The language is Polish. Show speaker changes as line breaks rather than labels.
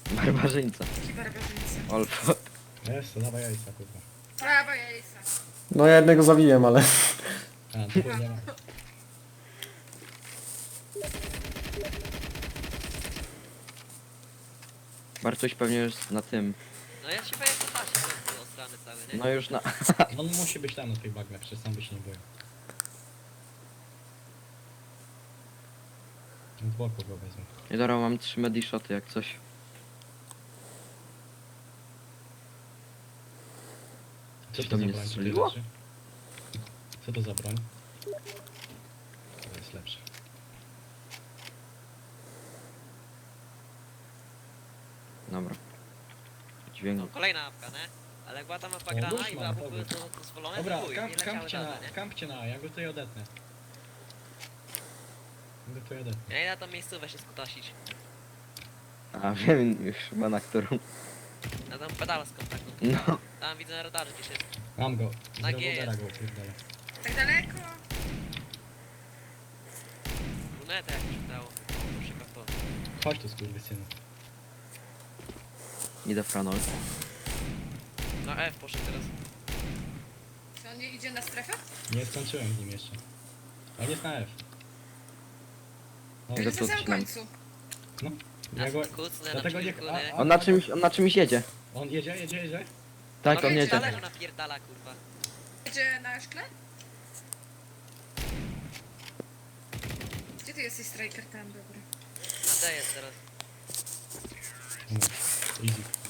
Barbarzyńca.
Jaki barbarzyńca.
Olfo.
Jest, to dawaj jajca, kurwa.
Prawa jajca.
No ja jednego zabiłem, ale...
A, to nie ma.
Bartuś pewnie już na tym.
No ja ci powiem, to patrzę, to był ostrany cały, nie?
No już na...
On musi być tam na tych bagnach, przecież sam by się nie boił. Z boku go wezmę.
I dobra, mam 3 medishoty jak coś.
Co
To
to za
mnie
broń tutaj
strzeliło?
leży? Co to za broń? To jest lepsze.
Dobra. Dźwięk.
No kolejna apka, nie? Ale jak była ta mapa
O,
grana
nóż
i
mam,
były
dobra.
to dozwolone,
Dobra,
to chuj, i leciały dalej, nie?
kampcie na, ja go tutaj odetnę. Ja go tutaj odetnę.
Ja idę na tą miejscówę się skutasić.
A wiem już chyba na którą.
Na tą pedalską taką.
No.
Tam widzę na radarze gdzieś jest.
Mam go, z
Na G
rewolwera
jest.
go upierdolę.
Tak daleko?
Lunetę jakieś udało. Proszę to.
Chodź tu skurwysynu.
Idę franol.
Na F poszedł teraz.
Czy on nie idzie na strefę?
Nie skończyłem z nim jeszcze. On jest na F. No,
Ja
Jest
to
na samym
odcinam.
końcu.
no.
Ja
Ja go,
kucnę na
dlatego nie...
przeciwku, nie?
On na czymś jedzie.
On jedzie?
Tak,
No
on
wiecie,
jedzie.
ale że napierdala, kurwa.
Jedzie na szkle? Gdzie ty jesteś, striker? Tam, dobry.
Na D jest teraz.
No, easy.